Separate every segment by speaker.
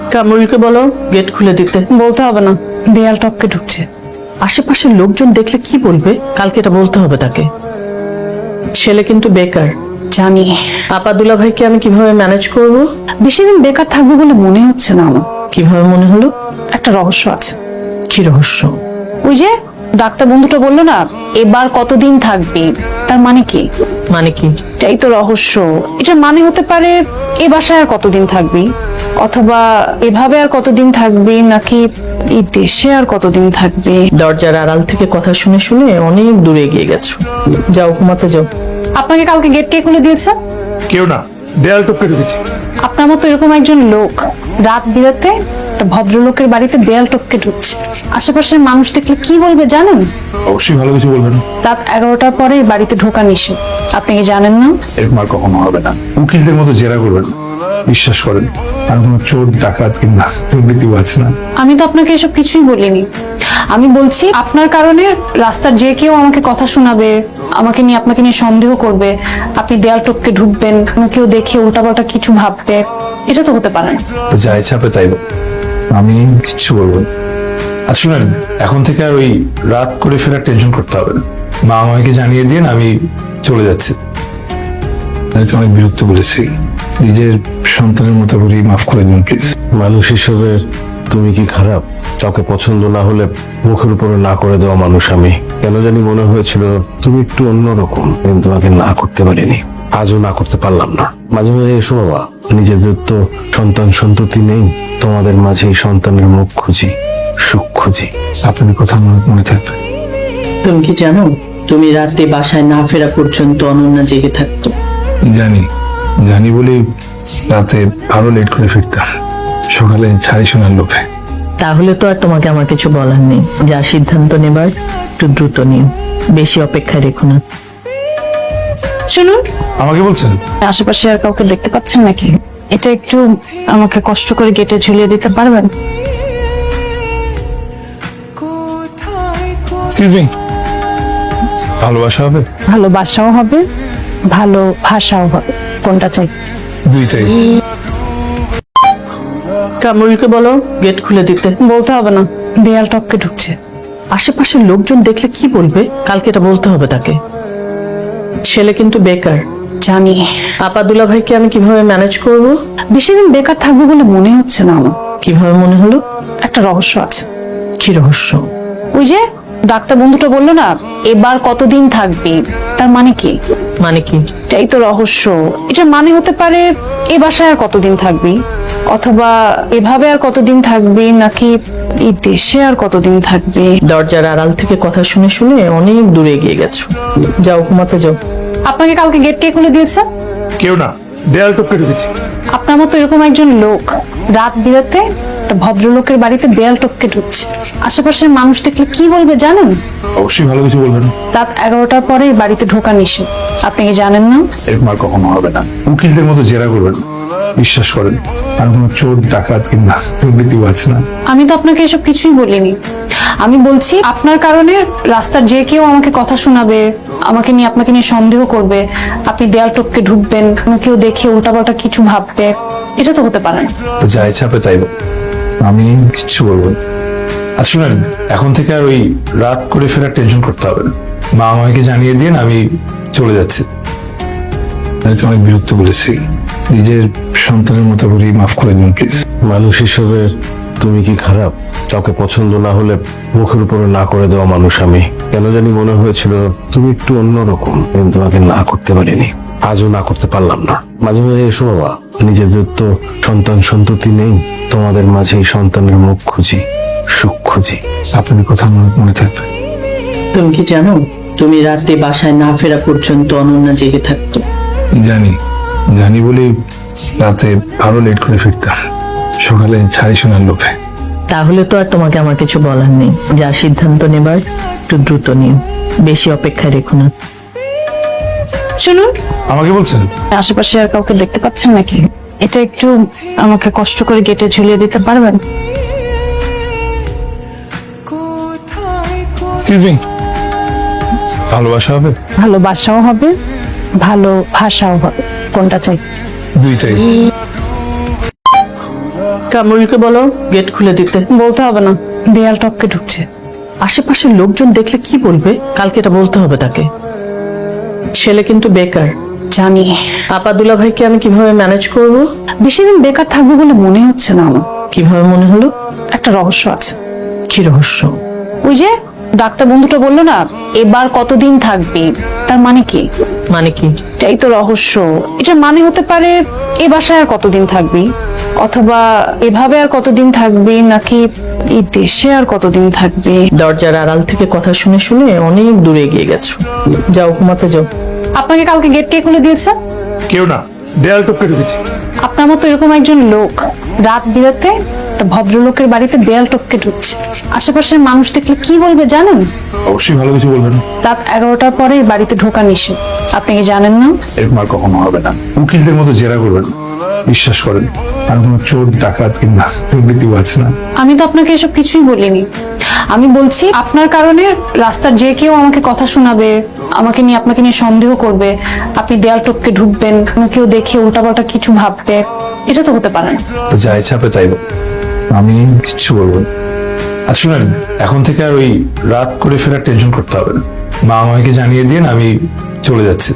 Speaker 1: কামরুলকে বলো গেট খুলে দিতে।
Speaker 2: বলতে হবে না, দেয়াল টপকে ঢুকছে।
Speaker 1: আশেপাশের লোকজন দেখলে কি বলবে, কালকে এটা বলতে হবে তাকে। ছেলে কিন্তু বেকার।
Speaker 2: জানি।
Speaker 1: আপা দুলা ভাইকে আমি কিভাবে ম্যানেজ করব?
Speaker 2: বেশি দিন বেকার থাকবো বলে মনে হচ্ছে না আমার।
Speaker 1: কিভাবে মনে হলো?
Speaker 2: একটা রহস্য আছে।
Speaker 1: কি রহস্য?
Speaker 2: ওই যে ডাক্তার বন্ধুটা বললো না, এবার কতদিন থাকবি, তার মানে কি?
Speaker 1: মানে কি?
Speaker 2: এটাই তো রহস্য। এটার মানে হতে পারে এ বাসায় আর কতদিন থাকবি, অথবা এভাবে আর কতদিন থাকবি, নাকি এই দেশে আর কতদিন থাকবি।
Speaker 1: দরজার আড়াল থেকে কথা শুনে শুনে অনেক দূরে এগিয়ে গেছো। যাও ঘুমাতে যাও।
Speaker 2: আপনাকে কালকে গেট কে খুলে দিয়েছে?
Speaker 3: কেউ না, দেয়াল টপকে ঢুকেছি।
Speaker 2: আপনার মতো এরকম একজন লোক রাত বিরাতে একটা ভদ্রলোকের বাড়িতে দেয়াল টপকে ঢুকছে। আশেপাশের মানুষ দেখলে কি বলবে জানেন?
Speaker 3: অবশ্যই ভালো কিছু বলবেন।
Speaker 2: রাত 11টার পরে এই বাড়িতে ঢোকা নিষেধ, আপনি কি জানেন না?
Speaker 3: এরকম আর কখনো হবে না। উকিলদের মতো জেরা করবেন, বিশ্বাস করেন। আর কোনো চোর ডাকাত কিংবা দুর্নীতিও আছে না।
Speaker 2: আমি তো আপনাকে এসব কিছুই বলিনি। আমি বলছি আপনার কারণে রাস্তার যে কেউ আমাকে কথা শোনাবে, আমাকে নিয়ে আপনাকে নিয়ে সন্দেহ করবে, আপনি দেয়াল টপকে ঢুকবেন, কেউ দেখে উল্টাপাল্টা কিছু ভাববে। এটা তো হতে পারে না।
Speaker 3: যা ইচ্ছা হবে তাই বল, আমি কিচ্ছু বলবো না। আর শুনেন, এখন থেকে আর ওই রাত করে ফেরার টেনশন করতে হবে না। মা আমাকে জানিয়ে দিন আমি চলে যাচ্ছি। তাদেরকে অনেক বিরক্ত করেছি, নিজের সন্তানের মতো করে মাফ করে দিন প্লিজ।
Speaker 4: মানুষ হিসেবে তুমি কি খারাপ? কাউকে পছন্দ না হলে মুখের উপরে না করে দেওয়া মানুষ আমি। কেন জানি মনে হয়েছিল তুমি একটু অন্যরকম, কিন্তু তোমাকে না করতে পারিনি। আজও না করতে পারলাম না। মাঝে মাঝে এসো বাবা, নিজেদের তো সন্তান সন্ততি নেই, তোমাদের মাঝে এই সন্তানের মুখ খুঁজি, সুখ খুঁজি।
Speaker 3: আপনাদের কথা আমার মনে থাকবে।
Speaker 1: তুমি কি জানো, তুমি রাতে বাসায় না ফেরা পর্যন্ত অনন্যা জেগে থাকতো।
Speaker 3: জানি, জানি বলেই রাতে আরো লেট করে ফিরতাম, সকালে ছাড়ি শোনার লোভে।
Speaker 1: তাহলে তো আর তোমাকে আমার কিছু বলার নেই। যা সিদ্ধান্ত নেবার একটু দ্রুত নিও, বেশি অপেক্ষায় রেখো না।
Speaker 2: শুনুন,
Speaker 3: আমাকে বলছেন?
Speaker 2: আশেপাশে আর কাউকে দেখতে পাচ্ছেন নাকি? এটা একটু আমাকে কষ্ট করে গেটে ঝুলিয়ে দিতে পারবেন?
Speaker 3: এক্সকিউজ মি, ভালোবাসা হবে?
Speaker 2: ভালোবাসাও হবে, ভালো ভাষাও হবে। কোনটা চাই?
Speaker 3: 2টাই।
Speaker 1: কামরুলকে বলো গেট খুলে দিতে।
Speaker 2: বলতে হবে না, দেয়াল টপকে ঢুকছে।
Speaker 1: আশেপাশের লোকজন দেখলে কি বলবে, কালকে এটা বলতে হবে তাকে। ছেলে কিন্তু বেকার।
Speaker 2: জানি।
Speaker 1: আপা দুলা ভাইকে আমি কিভাবে ম্যানেজ করব?
Speaker 2: বেশি দিন বেকার থাকবো বলে মনে হচ্ছে না আমার।
Speaker 1: কিভাবে মনে হলো?
Speaker 2: একটা রহস্য আছে।
Speaker 1: কি রহস্য?
Speaker 2: ওই যে ডাক্তার বন্ধুটা বললো না, এবার কতদিন থাকবি, তার মানে কি?
Speaker 1: মানে কি?
Speaker 2: এটাই তো রহস্য। এটার মানে হতে পারে এ বাসায় আর কতদিন থাকবি, অথবা এভাবে আর কতদিন থাকবি, নাকি এই দেশে আর কতদিন থাকবি।
Speaker 1: দরজার আড়াল থেকে কথা শুনে শুনে অনেক দূরে এগিয়ে গেছো। যাও ঘুমাতে যাও।
Speaker 2: আপনাকে কালকে গেট কে খুলে দিয়েছে?
Speaker 3: কেউ না, দেয়াল টপকে ঢুকেছি।
Speaker 2: আপনার মতো এরকম একজন লোক রাত বিরাতে একটা ভদ্রলোকের বাড়িতে দেয়াল টপকে ঢুকছে। আশেপাশের মানুষ দেখলে কি বলবে জানেন?
Speaker 3: অবশ্যই ভালো কিছু বলবেন।
Speaker 2: রাত 11টার পরে এই বাড়িতে ঢোকা নিষেধ, আপনি কি জানেন না?
Speaker 3: এরকম আর কখনো হবে না। উকিলদের মতো জেরা করবেন, বিশ্বাস করেন। আর কোনো চোর ডাকাত কিংবা দুর্নীতিও আছে না।
Speaker 2: আমি তো আপনাকে এসব কিছুই বলিনি। আমি বলছি আপনার কারণে রাস্তার যে কেউ আমাকে কথা শোনাবে, আমাকে নিয়ে আপনাকে নিয়ে সন্দেহ করবে, আপনি দেয়াল টপকে ঢুকবেন, কেউ দেখে উল্টাপাল্টা কিছু ভাববে। এটা তো হতে পারে না।
Speaker 3: যা ইচ্ছা হবে তাই বল, আমি কিচ্ছু বলবো না। আর শুনেন, এখন থেকে আর ওই রাত করে ফেরার টেনশন করতে হবে না। মা আমাকে জানিয়ে দিন আমি চলে যাচ্ছি। তাদেরকে অনেক বিরক্ত করেছি, নিজের সন্তানের মতো করে মাফ করে দিন প্লিজ।
Speaker 4: মানুষ হিসেবে তুমি কি খারাপ? কাউকে পছন্দ না হলে মুখের উপরে না করে দেওয়া মানুষ আমি। কেন জানি মনে হয়েছিল তুমি একটু অন্যরকম, কিন্তু তোমাকে না করতে পারিনি। আজও না করতে পারলাম না। মাঝে মাঝে এসো বাবা, নিজেদের তো সন্তান সন্ততি নেই, তোমাদের মাঝে এই সন্তানের মুখ খুঁজি, সুখ খুঁজি।
Speaker 3: আপনাদের কথা আমার মনে থাকবে।
Speaker 1: তুমি কি জানো, তুমি রাতে বাসায় না ফেরা পর্যন্ত অনন্যা জেগে থাকতো।
Speaker 3: জানি, জানি বলেই রাতে আরো লেট করে ফিরতাম, সকালে ছাড়ি শোনার লোভে।
Speaker 1: তাহলে তো আর তোমাকে আমার কিছু বলার নেই। যা সিদ্ধান্ত নেবার একটু দ্রুত নিও, বেশি অপেক্ষায় রেখো না।
Speaker 2: শুনুন,
Speaker 3: আমাকে বলছেন?
Speaker 2: আশেপাশে আর কাউকে দেখতে পাচ্ছেন নাকি? এটা একটু আমাকে কষ্ট করে গেটে ঝুলিয়ে দিতে পারবেন?
Speaker 3: এক্সকিউজ মি, ভালোবাসা হবে?
Speaker 2: ভালোবাসাও হবে, ভালো ভাষাও হবে। কোনটা চাই?
Speaker 3: 2টাই।
Speaker 1: কামরুলকে বলো গেট খুলে দিতে।
Speaker 2: বলতে হবে না, দেয়াল টপকে ঢুকছে।
Speaker 1: আশেপাশের লোকজন দেখলে কি বলবে? কালকে এটা বলতে হবে তাকে। ছেলে কিন্তু বেকার।
Speaker 2: জানি।
Speaker 1: আপা দুলা ভাইকে আমি কিভাবে ম্যানেজ করব?
Speaker 2: বেশি দিন বেকার থাকবো বলে মনে হচ্ছে না আমার।
Speaker 1: কিভাবে মনে হলো?
Speaker 2: একটা রহস্য আছে।
Speaker 1: কি রহস্য?
Speaker 2: ওই যে ডাক্তার বন্ধুটা বললো না, এবার কতদিন থাকবি, তার মানে কি?
Speaker 1: মানে কি?
Speaker 2: এটাই তো রহস্য। এটার মানে হতে পারে এ বাসায় আর কতদিন থাকবি, অথবা এভাবে আর কতদিন থাকবি, নাকি এই দেশে আর কতদিন থাকবি।
Speaker 1: দরজার আড়াল থেকে কথা শুনে শুনে অনেক দূরে এগিয়ে গেছো। যাও ঘুমাতে যাও।
Speaker 2: আপনাকে কালকে গেট কে খুলে দিয়েছে?
Speaker 3: কেউ না, দেয়াল টপকে ঢুকেছি।
Speaker 2: আপনার মতো এরকম একজন লোক রাত বিরাতে একটা ভদ্রলোকের বাড়িতে দেয়াল টপকে ঢুকছে। আশেপাশের মানুষ দেখলে কি বলবে জানেন?
Speaker 3: অবশ্যই ভালো কিছু বলবেন।
Speaker 2: রাত 11টার পরে এই বাড়িতে ঢোকা নিষেধ। আপনি কি জানেন না?
Speaker 3: এরকম আর কখনো হবে না। উকিলদের মতো জেরা করবেন, বিশ্বাস করেন। আর কোনো চোর ডাকাত কিংবা দুর্নীতিও আছে না।
Speaker 2: আমি তো আপনাকে এসব কিছুই বলিনি। আমি বলছি আপনার কারণে রাস্তার যে কেউ আমাকে কথা শোনাবে, আমাকে নিয়ে আপনাকে নিয়ে সন্দেহ করবে, আপনি দেয়াল টপকে ঢুকবেন, কেউ দেখে উল্টাপাল্টা কিছু ভাববে। এটা তো হতে পারে না।
Speaker 3: যা ইচ্ছা হবে তাই বলুন। আমি কিচ্ছু বলবো না। আর শুনেন, এখন থেকে আর ওই রাত করে ফেরার টেনশন করতে হবে না। মা আমাকে জানিয়ে দিন আমি চলে যাচ্ছি।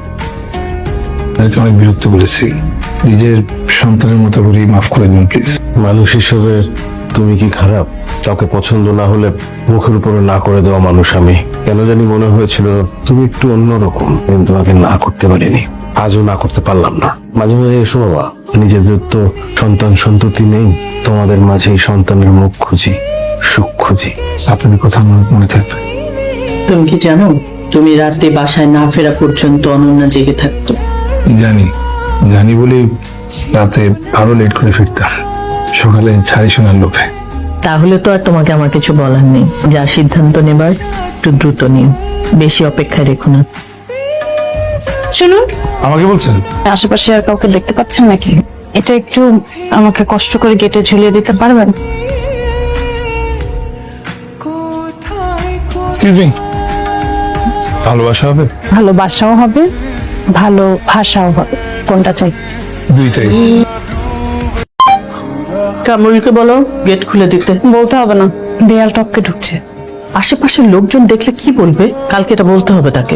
Speaker 3: তাদেরকে অনেক বিরক্ত করেছি। নিজের সন্তানের মতো করে মাফ করে দিন প্লিজ।
Speaker 4: মানুষ হিসেবে তুমি কি খারাপ? কাউকে পছন্দ না হলে মুখের উপরে না করে দেওয়া মানুষ আমি। কেন জানি মনে হয়েছিল তুমি একটু অন্যরকম, কিন্তু আগে না করতে পারিনি। আজও না করতে পারলাম না। মাঝে মাঝে এসো বাবা, নিজেদের তো সন্তান সন্ততি নেই, তোমাদের মাঝে এই সন্তানের মুখ খুঁজি, সুখ খুঁজি।
Speaker 3: আপনাদের কথা আমার মনে থাকবে।
Speaker 1: তুমি কি জানো, তুমি রাতে বাসায় না ফেরা পর্যন্ত অনন্যা জেগে থাকতো।
Speaker 3: জানি, জানি বলে রাতে আরো লেট করে ফিরতাম, সকালে ছাড়ি শোনার লোভে।
Speaker 1: তাহলে তো আর তোমাকে আমার কিছু বলার নেই। যা সিদ্ধান্ত নেবার একটু দ্রুত নিও, বেশি অপেক্ষায় রেখো না।
Speaker 2: শুনুন,
Speaker 3: আমাকে বলছেন?
Speaker 2: আশেপাশে আর কাউকে দেখতে পাচ্ছেন নাকি? এটা একটু আমাকে কষ্ট করে গেটে ঝুলিয়ে দিতে পারবেন?
Speaker 3: এক্সকিউজ মি, ভালোবাসা হবে?
Speaker 2: ভালোবাসাও হবে, ভালো ভাষাও হবে। কোনটা চাই?
Speaker 3: 2টাই।
Speaker 1: কামরুলকে বলো গেট খুলে দিতে।
Speaker 2: বলতে হবে না, দেয়াল টপকে ঢুকছে।
Speaker 1: আশেপাশের লোকজন দেখলে কি বলবে? কালকে এটা বলতে হবে তাকে।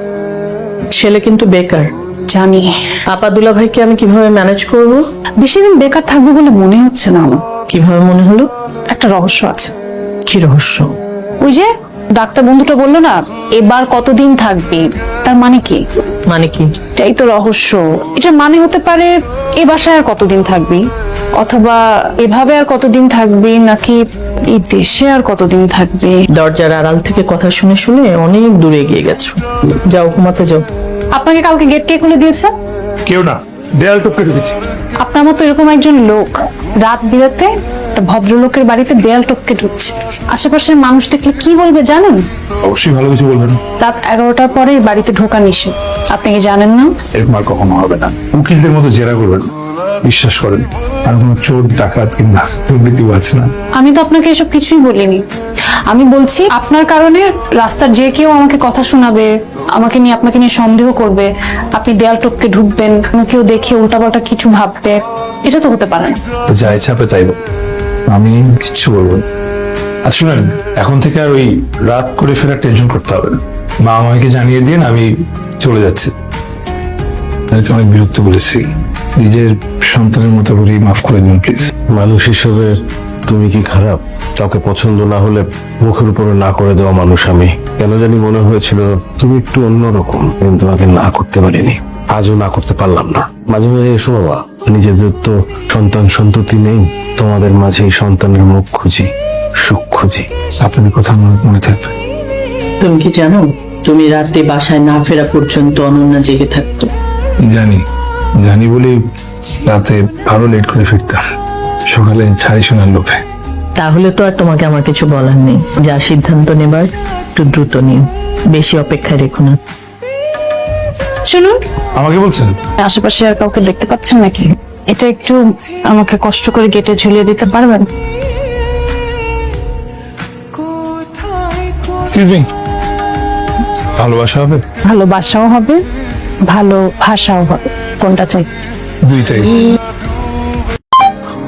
Speaker 1: ছেলে কিন্তু বেকার।
Speaker 2: জানি।
Speaker 1: আপা দুলা ভাইকে আমি কিভাবে ম্যানেজ করব?
Speaker 2: বেশি দিন বেকার থাকবো বলে মনে হচ্ছে না আমার।
Speaker 1: কিভাবে মনে হলো?
Speaker 2: একটা রহস্য আছে।
Speaker 1: কি রহস্য?
Speaker 2: ওই যে ডাক্তার বন্ধুটা বললো না, এবার কতদিন থাকবি, তার মানে কি?
Speaker 1: মানে কি?
Speaker 2: এটাই তো রহস্য। এটার মানে হতে পারে এ বাসায় আর কতদিন থাকবি, অথবা এভাবে আর কতদিন থাকবি, নাকি এই দেশে আর কতদিন থাকবি।
Speaker 1: দরজার আড়াল থেকে কথা শুনে শুনে অনেক দূরে এগিয়ে গেছো। যাও ঘুমাতে যাও।
Speaker 2: আপনাকে কালকে গেট কে খুলে দিয়েছে?
Speaker 3: কেউ না, দেয়াল টপকে ঢুকেছি।
Speaker 2: আপনার মতো এরকম একজন লোক রাত বিরাতে একটা ভদ্রলোকের বাড়িতে দেয়াল টপকে ঢুকছে। আশেপাশের মানুষ দেখলে কি বলবে জানেন?
Speaker 3: অবশ্যই ভালো কিছু বলবেন।
Speaker 2: রাত 11টার পরে এই বাড়িতে ঢোকা নিষেধ। আপনি কি জানেন না?
Speaker 3: এরকম আর কখনো হবে না। উকিলদের মতো জেরা করবেন, বিশ্বাস করেন। আর কোনো চোর ডাকাত কিংবা দুর্নীতিও আছে না।
Speaker 2: আমি তো আপনাকে এসব কিছুই বলিনি। আমি বলছি আপনার কারণে রাস্তার যে কেউ আমাকে কথা শোনাবে, আমাকে নিয়ে আপনাকে নিয়ে সন্দেহ করবে, আপনি দেয়াল টপকে ঢুকবেন, কেউ দেখে উল্টাপাল্টা কিছু ভাববে। এটা তো হতে পারে না।
Speaker 3: যা ইচ্ছা হবে তাই বলুন। আমি কিচ্ছু বলবো না। আর শুনেন, এখন থেকে আর ওই রাত করে ফেরার টেনশন করতে হবে না। মা আমাকে জানিয়ে দিন আমি চলে যাচ্ছি। তাদেরকে অনেক বিরক্ত করেছি। নিজের সন্তানের মতো করে মাফ করে দিন প্লিজ।
Speaker 4: মানুষ হিসেবে তুমি কি খারাপ? কাউকে পছন্দ না হলে মুখের উপরে না করে দেওয়া মানুষ আমি। কেন জানি মনে হয়েছিল তুমি একটু অন্যরকম, কিন্তু আগে না করতে পারিনি। আজও না করতে পারলাম না। মাঝে মাঝে এসো বাবা, নিজেদের তো সন্তান সন্ততি নেই, তোমাদের মাঝে এই সন্তানের মুখ খুঁজি, সুখ খুঁজি।
Speaker 3: আপনাদের কথা আমার মনে থাকবে।
Speaker 1: তুমি কি জানো, তুমি রাতে বাসায় না ফেরা পর্যন্ত অনন্যা জেগে থাকতো।
Speaker 3: জানি, জানি বলে রাতে আরো লেট করে ফিরতাম, সকালে ছাড়ি শোনার লোভে।
Speaker 1: তাহলে তো আর তোমাকে আমার কিছু বলার নেই। যা সিদ্ধান্ত নেবার একটু দ্রুত নিও, বেশি অপেক্ষায় রেখো না।
Speaker 2: শুনুন,
Speaker 3: আমাকে বলছেন?
Speaker 2: আশেপাশে আর কাউকে দেখতে পাচ্ছেন নাকি? এটা একটু আমাকে কষ্ট করে গেটে ঝুলিয়ে দিতে পারবেন?
Speaker 3: এক্সকিউজ মি, ভালোবাসা হবে?
Speaker 2: ভালোবাসাও হবে, ভালো ভাষাও হবে। কোনটা চাই?
Speaker 3: 2টাই।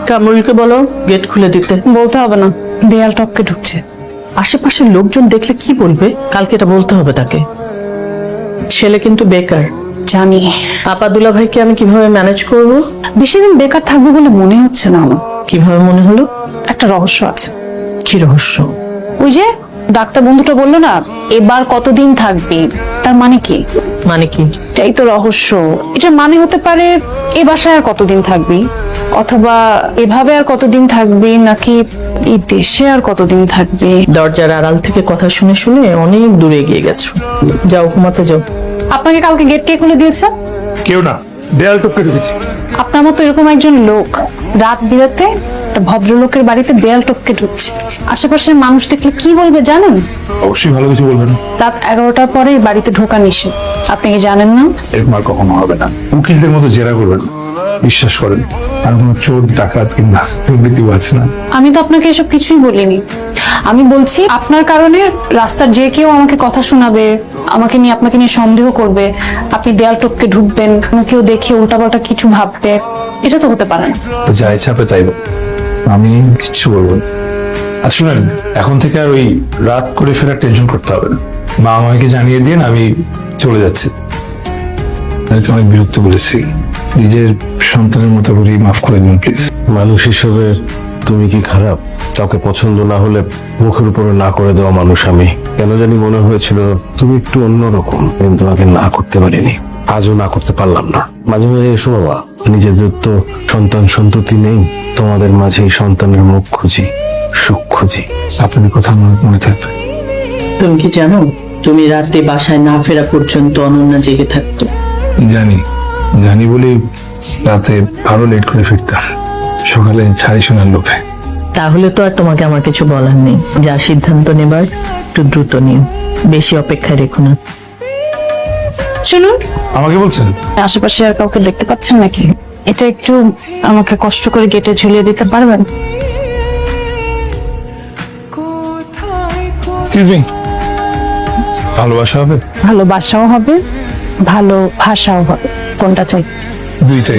Speaker 1: কামরুলকে বলো গেট খুলে দিতে।
Speaker 2: বলতে হবে না, দেয়াল টপকে ঢুকছে।
Speaker 1: আশেপাশের লোকজন দেখলে কি বলবে? কালকে এটা বলতে হবে তাকে। ছেলে কিন্তু বেকার।
Speaker 2: জানি।
Speaker 1: আপা দুলা ভাইকে আমি কিভাবে ম্যানেজ করব?
Speaker 2: বেশি দিন বেকার থাকবো বলে মনে হচ্ছে না আমার।
Speaker 1: কিভাবে মনে হলো?
Speaker 2: একটা রহস্য আছে।
Speaker 1: কি রহস্য?
Speaker 2: ওই যে ডাক্তার বন্ধুটা বললো না, এবার কতদিন থাকবি, তার মানে কি?
Speaker 1: মানে কি?
Speaker 2: এটাই তো রহস্য। এটার মানে হতে পারে এ বাসায় আর কতদিন থাকবি, অথবা এভাবে আর কতদিন থাকবি, নাকি এই দেশে আর কতদিন থাকবি।
Speaker 1: দরজার আড়াল থেকে কথা শুনে শুনে অনেক দূরে এগিয়ে গেছো। যাও ঘুমাতে যাও।
Speaker 2: আপনাকে কালকে গেট কে খুলে দিয়েছে?
Speaker 3: কেউ না, দেয়াল টপকে ঢুকেছি।
Speaker 2: আপনার মতো এরকম একজন লোক রাত বিরাতে একটা ভদ্রলোকের বাড়িতে দেয়াল টপকে ঢুকছে। আশেপাশের মানুষ দেখলে কি বলবে জানেন?
Speaker 3: অবশ্যই ভালো কিছু বলবেন।
Speaker 2: রাত 11টার পরে এই বাড়িতে ঢোকা নিষেধ। আপনি কি জানেন না?
Speaker 3: এরকম আর কখনো হবে না। উকিলদের মতো জেরা করবেন, বিশ্বাস করেন। আর কোনো চোর ডাকাত কিংবা দুর্নীতিও আছে না।
Speaker 2: আমি তো আপনাকে এসব কিছুই বলিনি। আমি বলছি আপনার কারণে রাস্তার যে কেউ আমাকে কথা শোনাবে, আমাকে নিয়ে আপনাকে নিয়ে সন্দেহ করবে, আপনি দেয়াল টপকে ঢুকবেন, কেউ দেখে উল্টাপাল্টা কিছু ভাববে। এটা তো হতে পারে না।
Speaker 3: যা ইচ্ছা হবে তাই বলুন। আমি কিচ্ছু বলবো না। আর শুনেন, এখন থেকে আর ওই রাত করে ফেরার টেনশন করতে হবে না। মা আমাকে জানিয়ে দিন আমি চলে যাচ্ছি। তাদেরকে অনেক বিরক্ত করেছি। নিজের সন্তানের মতো করে মাফ করে দিন প্লিজ।
Speaker 4: মানুষ হিসেবে তুমি কি খারাপ? কাউকে পছন্দ না হলে মুখের উপরে না করে দেওয়া মানুষ আমি। কেন জানি মনে হয়েছিল তুমি একটু অন্যরকম, কিন্তু আগে না করতে পারিনি। আজও না করতে পারলাম না। মাঝে মাঝে এসো বাবা, নিজেদের তো সন্তান সন্ততি নেই, তোমাদের মাঝে এই সন্তানের মুখ খুঁজি, সুখ খুঁজি।
Speaker 3: আপনাদের কথা আমার মনে থাকবে।
Speaker 1: তুমি কি জানো, তুমি রাতে বাসায় না ফেরা পর্যন্ত অনন্যা জেগে থাকতো।
Speaker 3: জানি বলে রাতে আরো লেট করে ফিরতাম, সকালে ছাড়ি শোনার লোভে।
Speaker 1: তাহলে তো আর তোমাকে আমার কিছু বলার নেই। যা সিদ্ধান্ত নেবার একটু দ্রুত নিও, বেশি অপেক্ষায় রেখো না।
Speaker 2: শুনুন,
Speaker 3: আমাকে বলছেন?
Speaker 2: আশেপাশে আর কাউকে দেখতে পাচ্ছেন নাকি? এটা একটু আমাকে কষ্ট করে গেটে ঝুলিয়ে দিতে পারবেন?
Speaker 3: এক্সকিউজ মি, ভালোবাসা হবে?
Speaker 2: ভালোবাসাও হবে, ভালো ভাষাও হবে। কোনটা চাই?
Speaker 3: দুইটাই।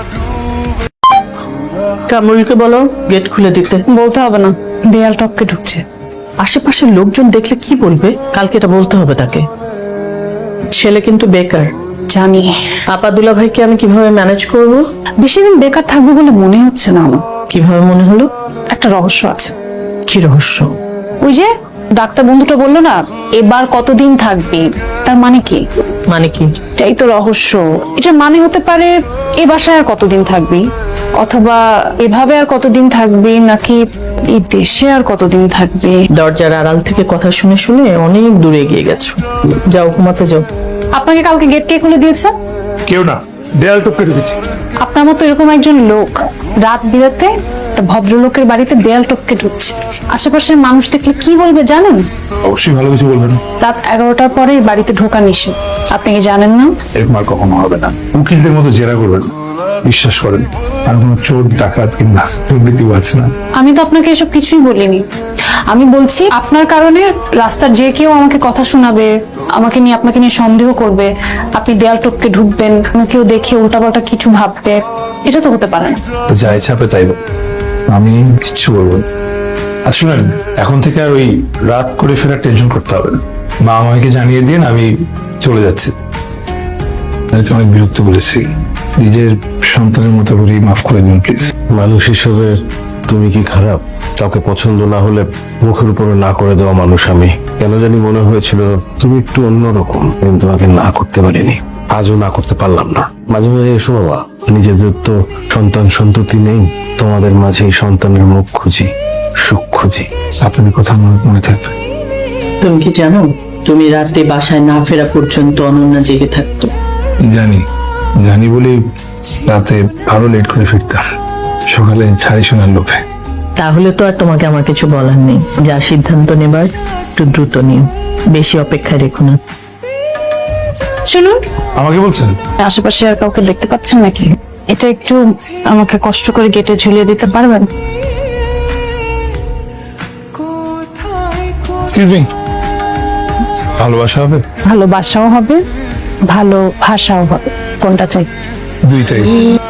Speaker 1: কামরুলকে বলো গেট খুলে দিতে।
Speaker 2: বলতে হবে না, দেয়াল টপকে ঢুকছে।
Speaker 1: আশেপাশের লোকজন দেখলে কি বলবে? কালকে এটা বলতে হবে তাকে। ছেলে কিন্তু বেকার।
Speaker 2: জানি।
Speaker 1: আপা দুলা ভাইকে আমি কিভাবে ম্যানেজ করব?
Speaker 2: বেশি দিন বেকার থাকবো বলে মনে হচ্ছে না আমার।
Speaker 1: কিভাবে মনে হলো?
Speaker 2: একটা রহস্য আছে।
Speaker 1: কি রহস্য?
Speaker 2: ওই যে ডাক্তার বন্ধুটা বললো না, এবার কতদিন থাকবি, তার মানে কি?
Speaker 1: মানে কি?
Speaker 2: এটাই তো রহস্য। এটার মানে হতে পারে এ বাসায় আর কতদিন থাকবি, অথবা এভাবে আর কতদিন থাকবি, নাকি এই দেশে আর কতদিন থাকবি।
Speaker 1: দরজার আড়াল থেকে কথা শুনে শুনে অনেক দূরে এগিয়ে গেছো। যাও ঘুমাতে যাও।
Speaker 2: আপনাকে কালকে গেট কে খুলে দিয়েছে?
Speaker 3: কেউ না, দেয়াল টপকে ঢুকেছি।
Speaker 2: আপনার মতো এরকম একজন লোক রাত বিরাতে একটা ভদ্রলোকের বাড়িতে দেয়াল টপকে ঢুকছে। আশেপাশের মানুষ দেখলে কি বলবে জানেন?
Speaker 3: অবশ্যই ভালো কিছু বলবেন।
Speaker 2: রাত 11টার পরে এই বাড়িতে ঢোকা নিষেধ। আপনি কি জানেন না?
Speaker 3: এরকম আর কখনো হবে না। উকিলদের মতো জেরা করবেন, বিশ্বাস করেন। আর কোনো চোর ডাকাত কিংবা দুর্নীতিও আছে না।
Speaker 2: আমি তো আপনাকে এসব কিছুই বলিনি। আমি বলছি আপনার কারণে রাস্তার যে কেউ আমাকে কথা শোনাবে, আমাকে নিয়ে আপনাকে নিয়ে সন্দেহ করবে, আপনি দেয়াল টপকে ঢুকবেন, কেউ দেখে উল্টাপাল্টা কিছু ভাববে। এটা তো হতে পারে না।
Speaker 3: যা ইচ্ছা হবে তাই বলুন। আমি কিচ্ছু বলবো না। আর শুনেন, এখন থেকে আর ওই রাত করে ফেরার টেনশন করতে হবে না। মা আমাকে জানিয়ে দিন আমি চলে যাচ্ছি। তাদেরকে অনেক বিরক্ত করেছি। নিজের সন্তানের মতো করে মাফ করে দিন প্লিজ।
Speaker 4: মানুষ হিসেবে তুমি কি খারাপ? কাউকে পছন্দ না হলে মুখের উপরে না করে দেওয়া মানুষ আমি। কেন জানি মনে হয়েছিল তুমি একটু অন্যরকম, কিন্তু আগে না করতে পারিনি। আজও না করতে পারলাম না। মাঝে মাঝে এসো বাবা, নিজেদের তো সন্তান সন্ততি নেই, তোমাদের মাঝে এই সন্তানের মুখ খুঁজি, সুখ খুঁজি।
Speaker 3: আপনাদের কথা আমার মনে থাকবে।
Speaker 1: তুমি কি জানো, তুমি রাতে বাসায় না ফেরা পর্যন্ত অনন্যা জেগে থাকতো।
Speaker 3: জানি বলে রাতে আরো লেট করে ফিরতাম, সকালে ছাড়ি শোনার লোভে।
Speaker 1: তাহলে তো আর তোমাকে আমার কিছু বলার নেই। যা সিদ্ধান্ত নেবার একটু দ্রুত নিও, বেশি অপেক্ষায় রেখো না।
Speaker 2: শুনুন,
Speaker 3: আমাকে বলছেন?
Speaker 2: আশেপাশে আর কাউকে দেখতে পাচ্ছেন নাকি? এটা একটু আমাকে কষ্ট করে গেটে ঝুলিয়ে দিতে পারবেন?
Speaker 3: এক্সকিউজ মি, ভালোবাসা হবে?
Speaker 2: ভালোবাসাও হবে, ভালো ভাষাও হবে। কোনটা চাই?
Speaker 3: দুইটাই।